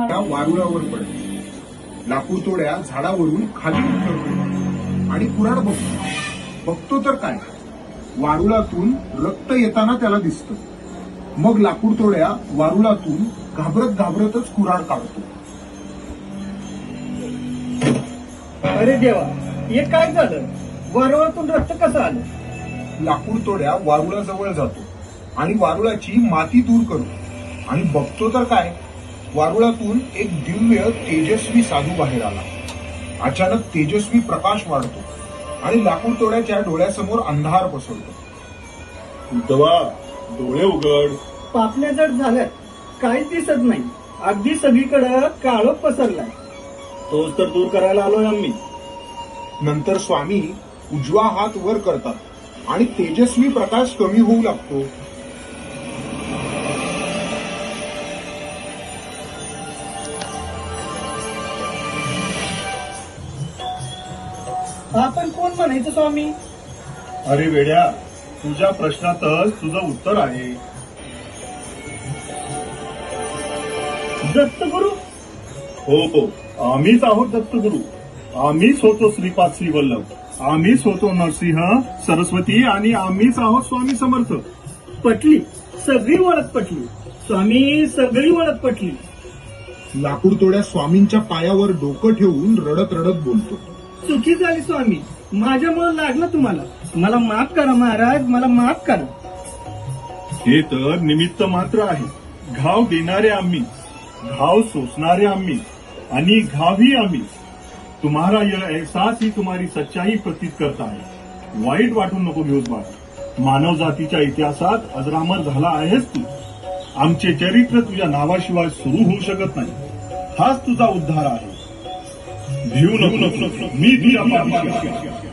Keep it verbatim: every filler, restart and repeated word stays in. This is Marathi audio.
त्या वारुळावर पडतो. लाकूड तोड्या झाडावरून खाली उतरतो आणि कुऱ्हाड बघतो. बघतो तर काय, वारुळातून रक्त येताना त्याला दिसतं. मग लाकूड तोड्या वारुळातून घाबरत घाबरतच कुऱ्हाड काढतो. अरे देवा, हे काय झालं? वारुळातून रक्त कसं आलं? लाकूड तोड्या वारुळाजवळ जातो आणि वारुळाची माती दूर करतो आणि बघतो तर काय, वारुळातून एक दिव्य तेजस्वी साधू बाहेर आला. अचानक तेजस्वी प्रकाश वाढतो आणि लाकूड तोड्याच्या डोळ्यासमोर अंधार पसरतो. उद्धवा, डोळे उघड. पापण्या जड झाल्यात, काहीच दिसत नाही. अगदी सगळीकडे काळोख पसरलाय. तोच तर दूर करायला आलोय आम्ही. नंतर स्वामी उजवा हात वर करतात आणि तेजस्वी प्रकाश कमी होऊ लागतो. आपण कोण म्हणायचं स्वामी? अरे वेड्या, तुझ्या प्रश्नातच तुझं उत्तर आहे. दत्तगुरु? हो हो, आम्हीच आहोत दत्तगुरु. आम्हीच होतो श्रीपाद श्रीवल्लभ. आम्हीच होतो नरसिंह, सरस्वती आणि आम्हीच आहोत स्वामी समर्थ. पटली, सगळी ओळख पटली. स्वामी, सगळी ओळख पटली. लाकूड तोड्या स्वामींच्या पायावर डोकं ठेवून रडत रडत बोलतो. चुकी झाली स्वामी, माझ्यामुळे लागलं तुम्हाला. मला माफ करा महाराज, मला माफ करा. हे तर निमित्त मात्र आहे. घाव देणारे आम्ही, घाव सोसणारे आम्ही आणि घावही आम्ही. तुम्हारा यह एहसास ही तुम्हारी सच्चाई प्रतीत करता है. वाईट वाटून नको घेऊस बाळा. मानव जातीच्या इतिहासात अजरामर झाला आहेस तू. आमचे चरित्र तुझ्या नावाशिवाय सुरू होऊ शकत नाही. हाच तुझा उद्धार आहे. भिवू नको, मी तुझ्या पाठीशी आहे.